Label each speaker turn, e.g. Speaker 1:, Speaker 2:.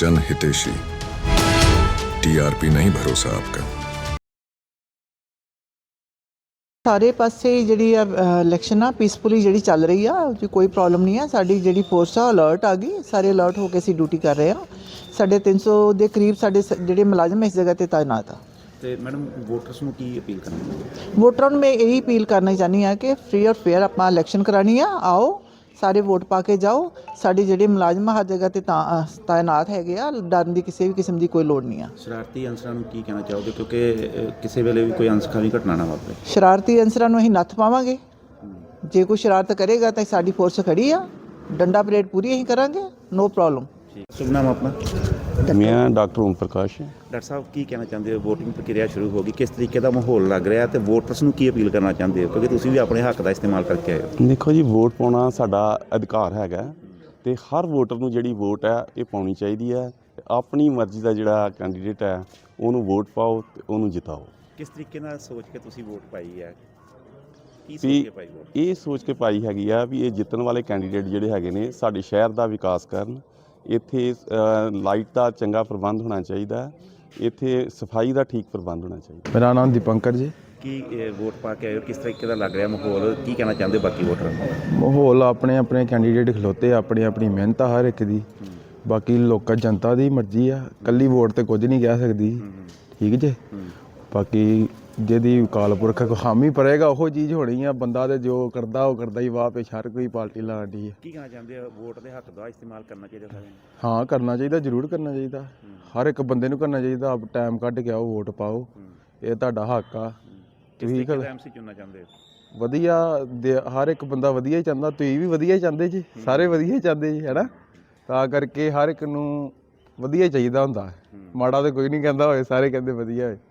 Speaker 1: जन हितेशी। टीआरपी नहीं भरोसा आपका।
Speaker 2: ਸਾਰੇ ਪਾਸੇ ਜਿਹੜੀ ਆ ਇਲੈਕਸ਼ਨ ਆ ਪੀਸਫੁਲੀ ਜਿਹੜੀ ਚੱਲ ਰਹੀ ਆ ਉਹ 'ਚ ਕੋਈ ਪ੍ਰੋਬਲਮ ਨਹੀਂ ਆ। ਸਾਡੀ ਜਿਹੜੀ ਫੋਰਸ ਆ ਅਲਰਟ ਆ ਗਈ, ਸਾਰੇ ਅਲਰਟ ਹੋ ਕੇ ਅਸੀਂ ਡਿਊਟੀ ਕਰ ਰਹੇ ਆ। ਸਾਡੇ 300 ਦੇ ਕਰੀਬ ਸਾਡੇ ਜਿਹੜੇ ਮੁਲਾਜ਼ਮ ਇਸ ਜਗ੍ਹਾ ਤੇ ਤਾਇਨਾਤ ਆ।
Speaker 3: ਤੇ ਮੈਡਮ ਵੋਟਰਸ ਨੂੰ ਕੀ ਅਪੀਲ ਕਰਨੀ?
Speaker 2: ਵੋਟਰਾਂ ਨੂੰ ਮੈਂ ਇਹੀ ਅਪੀਲ ਕਰਨਾ ਚਾਹੁੰਦੀ ਹਾਂ ਕਿ ਫ੍ਰੀ ਔਰ ਫੇਅਰ ਆਪਾਂ ਇਲੈਕਸ਼ਨ ਕਰਾਉਣੀ ਆ। ਆਓ ਸਾਰੇ ਵੋਟ ਪਾ ਕੇ ਜਾਓ। ਸਾਡੇ ਜਿਹੜੇ ਮੁਲਾਜ਼ਮ ਹਰ ਜਗ੍ਹਾ ਤੇ ਤਾਇਨਾਤ ਹੈਗੇ ਆ, ਡਰਨ ਦੀ ਕਿਸੇ ਵੀ ਕਿਸਮ ਦੀ ਕੋਈ ਲੋੜ ਨਹੀਂ ਆ।
Speaker 3: ਸ਼ਰਾਰਤੀ ਅਨਸਰਾਂ ਨੂੰ ਕੀ ਕਹਿਣਾ ਚਾਹੋਗੇ, ਕਿਉਂਕਿ ਕਿਸੇ ਵੇਲੇ ਵੀ ਕੋਈ ਅਨਸਖਾਵੀ ਘਟਨਾ ਨਾ ਵਾਪਰੇ?
Speaker 2: ਸ਼ਰਾਰਤੀ ਅਨਸਰਾਂ ਨੂੰ ਅਸੀਂ ਨੱਥ ਪਾਵਾਂਗੇ। ਜੇ ਕੋਈ ਸ਼ਰਾਰਤ ਕਰੇਗਾ ਤਾਂ ਸਾਡੀ ਫੋਰਸ ਖੜੀ ਆ, ਡੰਡਾ ਪਰੇਡ ਪੂਰੀ ਅਸੀਂ ਕਰਾਂਗੇ, ਨੋ ਪ੍ਰੋਬਲਮ।
Speaker 3: ਸ਼ੁਭ ਨਾਮ ਆਪਣਾ?
Speaker 4: ਮੈਂ ਡਾਕਟਰ ਓਮ ਪ੍ਰਕਾਸ਼।
Speaker 3: ਡਾਕਟਰ ਸਾਹਿਬ ਕੀ ਕਹਿਣਾ ਚਾਹੁੰਦੇ ਹੋ? ਵੋਟਿੰਗ ਪ੍ਰਕਿਰਿਆ ਸ਼ੁਰੂ ਹੋ ਗਈ, ਕਿਸ ਤਰੀਕੇ ਦਾ ਮਾਹੌਲ ਲੱਗ ਰਿਹਾ ਤੇ ਵੋਟਰਸ ਨੂੰ ਕੀ ਅਪੀਲ ਕਰਨਾ ਚਾਹੁੰਦੇ ਹੋ, ਕਿਉਂਕਿ ਤੁਸੀਂ ਵੀ ਆਪਣੇ ਹੱਕ ਦਾ ਇਸਤੇਮਾਲ ਕਰਕੇ ਆਏ ਹੋ?
Speaker 4: ਦੇਖੋ ਜੀ, ਵੋਟ ਪਾਉਣਾ ਸਾਡਾ ਅਧਿਕਾਰ ਹੈਗਾ ਤੇ ਹਰ ਵੋਟਰ ਨੂੰ ਜਿਹੜੀ ਵੋਟ ਹੈ ਇਹ ਪਾਉਣੀ ਚਾਹੀਦੀ ਹੈ। ਆਪਣੀ ਮਰਜ਼ੀ ਦਾ ਜਿਹੜਾ ਕੈਂਡੀਡੇਟ ਹੈ ਉਹਨੂੰ ਵੋਟ ਪਾਓ ਤੇ ਉਹਨੂੰ ਜਿਤਾਓ।
Speaker 3: ਕਿਸ ਤਰੀਕੇ ਨਾਲ ਸੋਚ ਕੇ ਤੁਸੀਂ ਵੋਟ ਪਾਈ ਹੈ? ਕੀ ਸੋਚ
Speaker 4: ਵੀ
Speaker 3: ਕੇ ਪਾਈ ਵੋਟ?
Speaker 4: ਇਹ ਸੋਚ ਕੇ ਪਾਈ ਹੈਗੀ ਆ ਵੀ ਇਹ ਜਿੱਤਣ ਵਾਲੇ ਕੈਂਡੀਡੇਟ ਜਿਹੜੇ ਹੈਗੇ ਨੇ ਸਾਡੇ ਸ਼ਹਿਰ ਦਾ ਵਿਕਾਸ ਕਰਨ। ਇੱਥੇ ਲਾਈਟ ਦਾ ਚੰਗਾ ਪ੍ਰਬੰਧ ਹੋਣਾ ਚਾਹੀਦਾ, ਇੱਥੇ ਸਫਾਈ ਦਾ ਠੀਕ ਪ੍ਰਬੰਧ ਹੋਣਾ ਚਾਹੀਦਾ।
Speaker 5: ਮੇਰਾ ਨਾਮ ਦੀਪੰਕਰ ਜੀ।
Speaker 3: ਕੀ ਵੋਟ ਪਾ ਕੇ ਆਏ ਹੋ, ਕਿਸ ਤਰੀਕੇ ਦਾ ਲੱਗ ਰਿਹਾ ਮਾਹੌਲ? ਕੀ ਕਹਿਣਾ ਚਾਹੁੰਦੇ ਹੋ ਬਾਕੀ ਵੋਟਰਾਂ ਨੂੰ?
Speaker 5: ਮਾਹੌਲ ਆਪਣੇ ਆਪਣੇ ਕੈਂਡੀਡੇਟ ਖਲੋਤੇ, ਆਪਣੀ ਆਪਣੀ ਮਿਹਨਤ ਆ ਹਰ ਇੱਕ ਦੀ। ਬਾਕੀ ਲੋਕਾਂ ਜਨਤਾ ਦੀ ਮਰਜ਼ੀ ਆ, ਇਕੱਲੀ ਵੋਟ ਤੇ ਕੁਝ ਨਹੀਂ ਕਹਿ ਸਕਦੀ, ਠੀਕ ਜੇ। ਬਾਕੀ ਜਿਹਦੀ ਅਕਾਲ ਪੁਰਖ ਹਾਮੀ ਭਰੇਗਾ ਉਹ ਚੀਜ਼ ਹੋਣੀ ਆ। ਬੰਦਾ ਤੇ ਜੋ ਕਰਦਾ ਉਹ ਕਰਦਾ ਹੀ, ਵਾਹ ਪੇਸ਼ ਹਰ ਕੋਈ ਪਾਰਟੀ ਲਾਉਂਦੀ ਹੈ।
Speaker 3: ਕੀ ਕਹਿਣਾ ਚਾਹੁੰਦੇ ਹੋ? ਵੋਟ ਦੇ ਹੱਕ ਦਾ ਇਸਤੇਮਾਲ ਕਰਨਾ ਚਾਹੀਦਾ ਸਾਰਿਆਂ ਨੂੰ?
Speaker 5: ਹਾਂ, ਕਰਨਾ ਚਾਹੀਦਾ, ਜ਼ਰੂਰ ਕਰਨਾ ਚਾਹੀਦਾ। ਹਰ ਇੱਕ ਬੰਦੇ ਨੂੰ ਕਰਨਾ ਚਾਹੀਦਾ। ਆਪ ਟਾਈਮ ਕੱਢ ਕੇ ਆਓ, ਵੋਟ ਪਾਓ, ਇਹ ਤੁਹਾਡਾ ਹੱਕ ਆ। ਤੁਸੀਂ
Speaker 3: ਐਮਸੀ ਚੁਣਨਾ ਚਾਹੁੰਦੇ ਹੋ?
Speaker 5: ਵਧੀਆ ਹਰ ਇੱਕ ਬੰਦਾ ਵਧੀਆ ਹੀ ਚਾਹੁੰਦਾ, ਤੁਸੀਂ ਵੀ ਵਧੀਆ ਹੀ ਚਾਹੁੰਦੇ ਜੀ, ਸਾਰੇ ਵਧੀਆ ਹੀ ਚਾਹੁੰਦੇ ਜੀ, ਹੈ ਨਾ। ਤਾਂ ਕਰਕੇ ਹਰ ਇੱਕ ਨੂੰ ਵਧੀਆ ਚਾਹੀਦਾ ਹੁੰਦਾ, ਮਾੜਾ ਤਾਂ ਕੋਈ ਨਹੀਂ ਕਹਿੰਦਾ ਹੋਏ, ਸਾਰੇ ਕਹਿੰਦੇ ਵਧੀਆ ਹੋਏ।